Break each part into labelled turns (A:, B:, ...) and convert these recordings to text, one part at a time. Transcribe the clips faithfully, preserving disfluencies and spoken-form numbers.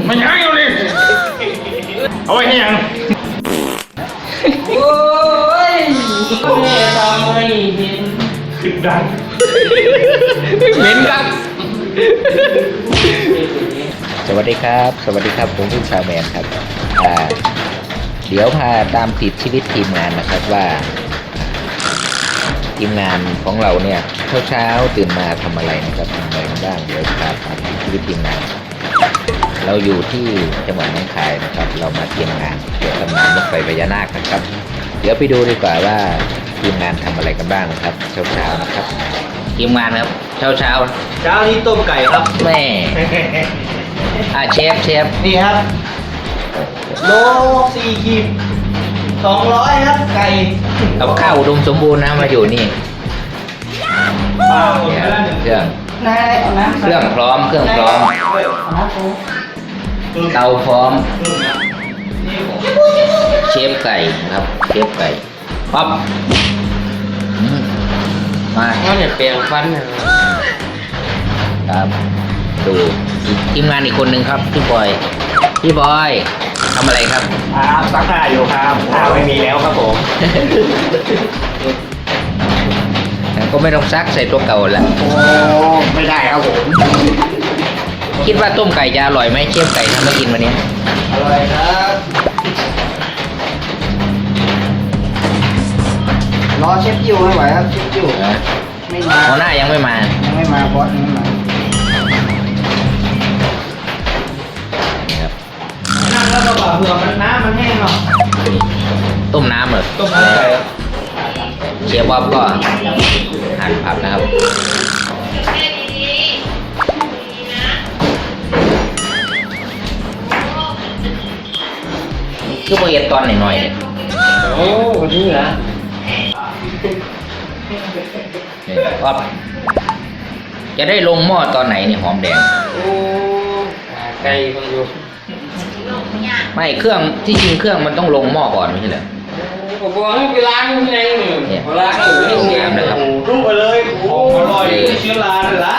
A: ไม่ใช่เอาเลยเอาไว้ให้ยัง
B: โอ้ยแม่ทำให้เห็น
A: ขึ้นดัง
C: เหม็นครับสวัสดีครับสวัสดีครับผมพี่ชาวแมนครับอ่าเดี๋ยวพาตามติดชีวิตทีมงานนะครับว่าทีมงานของเราเนี่ยเช้าเช้าตื่นมาทำอะไรนะครับทำอะไรกันบ้างเดี๋ยวพาตามติดชีวิตทีมงานเราอยู่ที่จังหวัดหนองคายนะครับเรามาเตรียมงานเกี่ยวกับงานรถไฟพญานาคนะครับเดี๋ยวไปดูดีกว่าว่าทีมงานทำอะไรกันบ้างนะครับเช้าเช้านะครับทีมงานครับเช้าเช้า
B: เช้านี้ต้มไก่ครับ
C: แม่อ่าเชฟเชฟ
B: นี่ครับโลสี่ขีดสองร้อยครับไก่
C: กับข้าวอุดมสมบูรณ์นะมาอยู่นี่เครื่องเครื่องพร้อมเครื่องพร้อมเตาพร้อมเชฟไก่ครับเชฟไก่ปั๊บมา
B: เนี่ยเปลี่ยนฟัน
C: ครับดูทีมงานอีกคนหนึ่งครับพี่บอยพี่บอยทำอะไรครับ
A: ครับซักผ้าอยู่ครับผ้าไม่มีแล้วครับผม
C: ก็ไม่ต้องซักใส่ตัวเก่าแล้ว
A: โอ้ไม่ได้ครับผม
C: คิดว่าต้มไก่จะอร่อยไหมเชฟไก่ทำมากินวันนี้
B: อร่อยครับรอเชฟจิวไม่ไหวครับเชฟจิวไม่มา
C: หัวหน้ายังไม่มา
B: ยังไม่มาบอสยังไม่มานั่งแล้วก็บอกเผื่อมันน้ำมันแห้งเนาะ
C: ต้มน้ำเหรอ
B: ต้มน้ำไก่
C: เชฟบ๊อบก็หั่นผักนะครับคือโปรเอตตอนหน่อยๆเนี่ย
B: โอ้วันนี้เหรอ
C: ก็จะได้ลงหม้อตอนไหนนี่หอมแดง
B: โอ้ไก่คนอยู่
C: ไม่เครื่องที่จริงเครื่องมันต้องลงหม้อก่อนไม่ใช่เหรอ
B: ผมบอกให้ไปล้างยังไงเนี่ยล้างอยู่
C: นี่งามนะครับ
B: รุ่งไปเลยโอ้อร่อยเชื้อราเลยล่ะ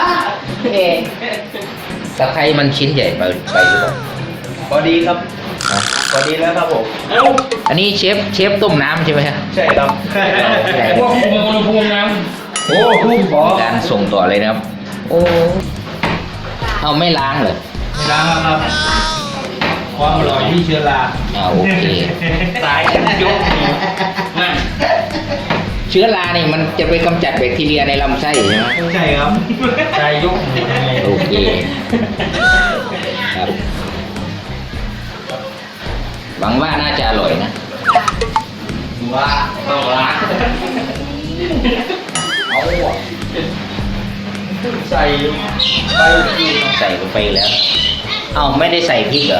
C: ตะไคร้มันชิ้นใหญ่ไปไปหรือเปล่า
B: พอดีครับพอดีแล้วครับผม
C: อันนี้เชฟเชฟต้มน้ำใช่ไหมครับ
B: ใช่ครับพวกอุณหภูมิน้ำโอ้ทุ่มขอ
C: การส่งต่อเลยนะครับโอ้เอาไม่ล้างเหรอ
B: ไม่ล้างครับความอร่อยที่เชื้อรา
C: อ่าโอเค
B: สายยกนั่น
C: เชื้อราเนี่ยมันจะไปกำจัดแบคทีเรียในลำไส้ใช่ไหม
B: ใช่ครับสายยก
C: โอเคครับหวังว่าน่าจะอร่อยนะ
B: ว่าต้องล้างเอาใส่ไป
C: ใส่ลงไปแล้วเอ้าไม่ได้ใส่พริกเหรอ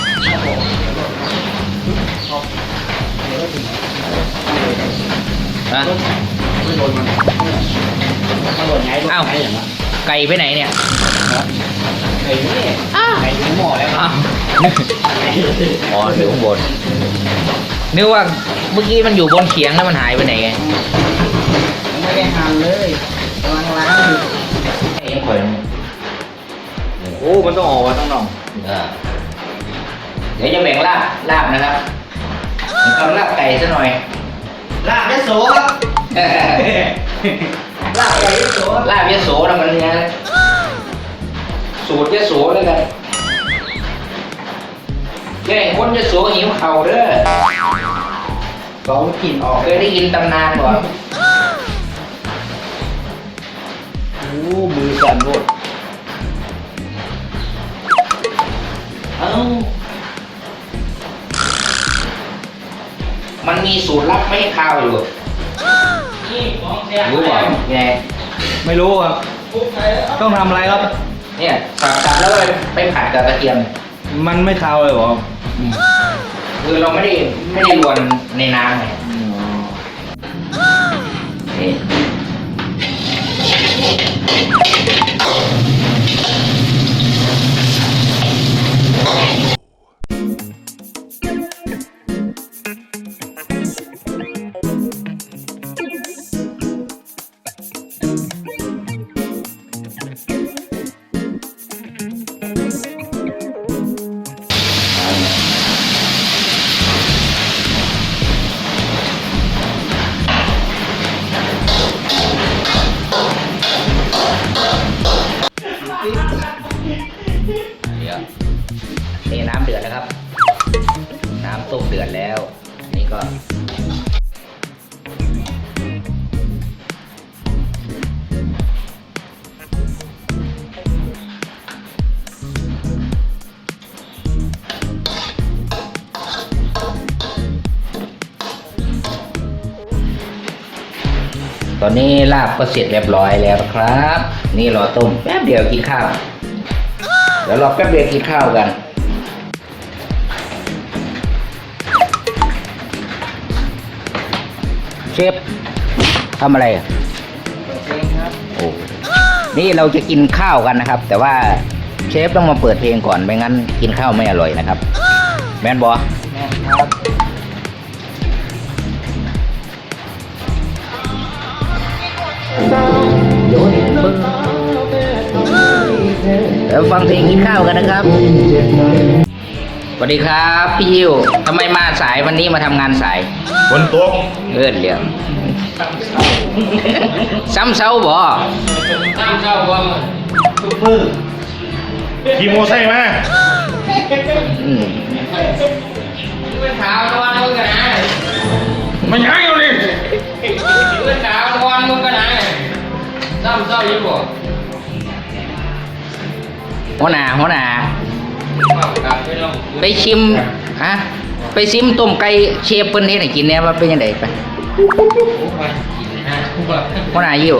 C: ฮะเอ้าไก่ไปไหนเนี่ย
B: ไก่นี่ไก่ถึงหม้อแล้ว
C: อ้าวอ๋ออยู่ข้างบนนึกว่าเมื่อกี้มันอยู่บนเขียงแล้วมันหายไปไหนไง
B: ไม่ได้หั่นเลยกำลังล้างอยู่
C: ยังคอย
B: โอ้มันต้องออกมาต้องนอง
C: เดี๋ยวจะแบ่งลาบลาบนะครับเอาลาบไก่ซะหน่อย
B: ลาบยโสครับลาบไก่ยโส
C: ลาบยโสนะมันเนี่ยสูตรยโสแล้วกันแกงคนยโสหิวเข่าเด้อ
B: เขากินออก
C: เคยได้ยินตำนานบ่
B: โอ้มือสั่นหมดเอ้า
C: มันมีสูตรลับไม่ให้ข้าวอยู่รู้ป่ะไง
B: ไม่รู้ครับต้องทำอะไรครับ
C: เนี่ยสับสับแล้วไปผัดกับกระเทียม
B: มันไม่คาวเลยหรอ
C: คือเราไม่ได้ไม่ได้รวนในน้ำไงดี๋ยวนี่น้ำเดือดนะครับ น้ำต้มเดือดแล้ว นี่ก็ตอนนี้ลาบก็เสร็จเรียบร้อยแล้วนะครับ นี่รอต้มแป๊บเดียวกินข้าว เดี๋ยวรอแป๊บเดียวกินข้าวกัน เชฟทำอะไรอ่ะโอ้นี่เราจะกินข้าวกันนะครับ แต่ว่าเชฟต้องมาเปิดเพลงก่อนไม่งั้นกินข้าวไม่อร่อยนะครับ แม่นบอ
B: แม่ครับ
C: เดี๋ยวฟังเพลงกินข้าวกันนะครับ สวัสดีครับพี่ยิวทำไมมาสายวันนี้มาทำงานสาย
A: ฝนตก
C: เลื่อนเรื่อง ซ้ำเซาบ่
B: ตั้งเจ้าว่าทุกมือ
A: ขี่โมอไซค์มา
C: อืม
B: เป็นขาวตะวันมึงกันนะ
A: มันยังอยู่นี่
B: เป็นขาวตะวันมึงกันนะตั้งเจ้าอยู่บ่
C: หัวหน้าหัวหน้า
B: ครับไปลอง
C: ไปชิมฮะไปชิมต้มไก่เชฟเปิ้นเฮ็ดให้กินเนี่ยว่าเป็นยังไงไป
B: กินนะว่า
C: หัวหน้ายิว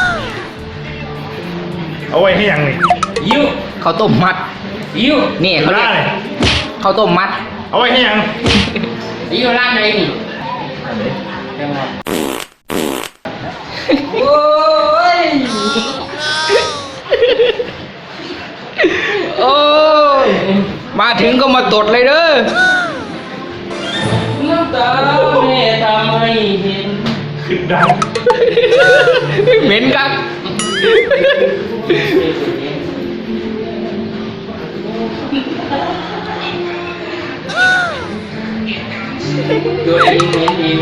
A: เอาไว้ให้ยังนี่
B: ยิ้ว
C: ข้าวต้มมัด
B: ยิ้ว
C: นี่เขาเรียก
A: ได้
C: ข้าวต้มมัด
A: เอาไว้ให้ยัง
B: ยิ้วร้านไหนนี่โอ้ย
C: โอ้ยมาถึงก็มาตดเลยเด้อ
B: น้ำตาแม่ทำให้เห็น
A: ขึ้นดัง
C: เหม็นกัก
B: ตัวเองเห็นเอง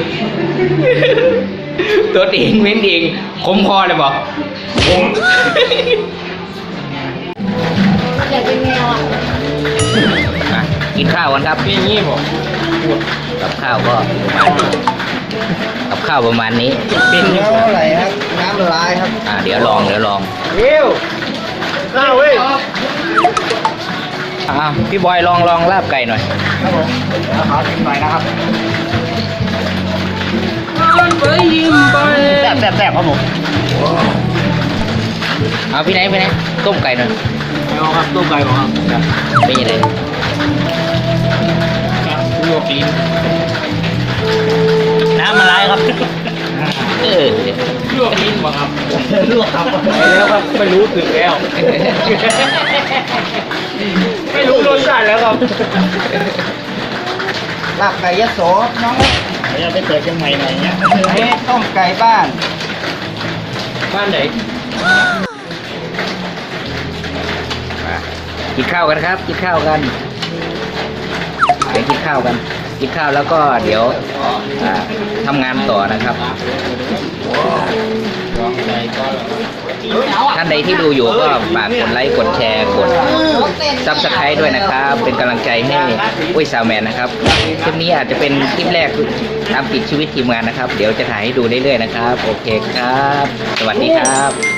C: ตัวเองเหม็นเองคมคอเลยบอก
A: ผม
D: อยากเป็นแมวอ่ะ
C: อ่ะกินข้าวกันครับ
B: เป็นงี้บ่
C: กับข้าวก็ประมาณนี้กับข้าวประมาณนี้
B: เป็น
C: เป็น
B: น้ำไหลครับน้ำละลายครับ
C: อ่าเดี๋ยวลองเดี๋ยวลอง
B: วิว
A: ข้าวเว้ย
C: อ่าพี่บอยลองลองลาบไก่หน่อย
B: ครับผมแล้วขอชิมหน่อยนะครับ
C: ไปยิ้มไป
B: แซ่บแซ่บแซ่บครับผม
C: เอาพี่ไหนพี่ไหนต้มไก่หน่อย
B: เอาครับต้มไก่ผมครับ
C: เป็นยังไง
B: ลวกลิ้นน้ำละลายครับ
C: เออ
B: ลวกลิ้นบ่ครับลวกครับไปแล้วครับไม่รู้สึกแล้ว ไม่รู้รสชาติแล้วครับลาบไก่ยะโสน้อง
A: เดี๋ยวไปเปิดเชียงใหม่หน่อยเงี้ย
B: เอ๊ะต้มไก่บ้าน บ้านไหน
C: มากินข้าวกันครับกินข้าวกันเดี๋ยวกินข้าวกัน กินข้าวแล้วก็เดี๋ยวอ่าทำงานต่อนะครับ ท่านใดที่ดูอยู่ก็ฝากกดไลค์กดแชร์กดซับสไครต์ด้วยนะครับ เป็นกำลังใจให้อุ้ยซาวแมนนะครับคลิปนี้อาจจะเป็นคลิปแรกตามติดชีวิตทีมงานนะครับ เดี๋ยวจะถ่ายให้ดูเรื่อยๆนะครับ โอเคครับ สวัสดีครับ